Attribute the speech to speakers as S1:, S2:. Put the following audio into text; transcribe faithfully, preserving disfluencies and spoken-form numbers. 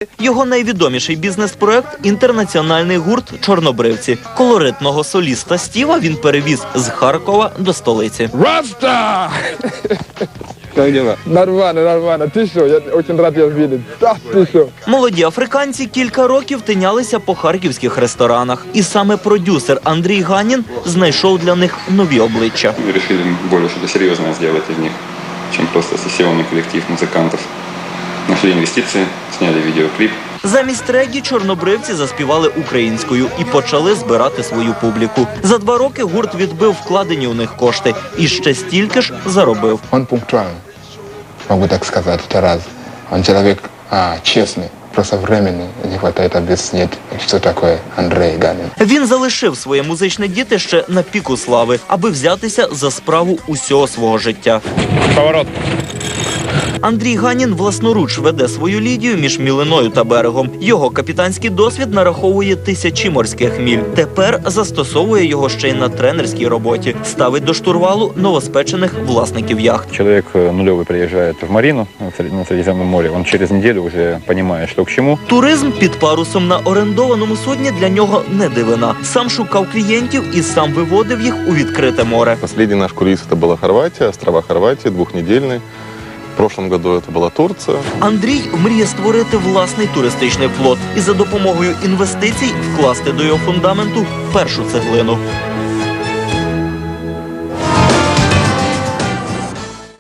S1: Його найвідоміший бізнес-проект – інтернаціональний гурт «Чорнобривці». Колоритного соліста Стіва він перевіз з Харкова до столиці.
S2: Раста! Как дела? Нормально, нормально. Ты что? Я очень рад тебя видеть. Да, ты что?
S1: Молоді африканці кілька років тинялися по харківських ресторанах. І саме продюсер Андрій Ганін знайшов для них нові обличчя.
S3: Мы решили более что-то серьезное сделать из них, чем просто сессионный коллектив музыкантов. Нашли инвестиции, сняли видеоклип.
S1: Замість регі чорнобривці заспівали українською і почали збирати свою публіку. За два роки гурт відбив вкладені у них кошти і ще стільки ж заробив.
S2: Он пунктуальный, могу так сказать, это раз. Он человек а, честный, просто времени не хватает объяснить, что такое Андрей Ганин.
S1: Він залишив своє музичне дітище на піку слави, аби взятися за справу усього свого життя.
S2: Поворот.
S1: Андрій Ганін власноруч веде свою Лідію між Мілиною та берегом. Його капітанський досвід нараховує тисячі морських міль. Тепер застосовує його ще й на тренерській роботі. Ставить до штурвалу новоспечених власників яхт.
S4: Человек нулевый приезжает в Марину на Средиземном море, он через неделю уже понимает, что к чему.
S1: Туризм під парусом на орендованому судні для нього не дивина. Сам шукав клієнтів і сам виводив їх у відкрите море.
S5: Последний наш круиз это была Хорватия, острова Хорватии, двухнедельный. В прошлом году это была Турция.
S1: Андрій мріє створити власний туристичний флот і за допомогою інвестицій вкласти до його фундаменту першу цеглину.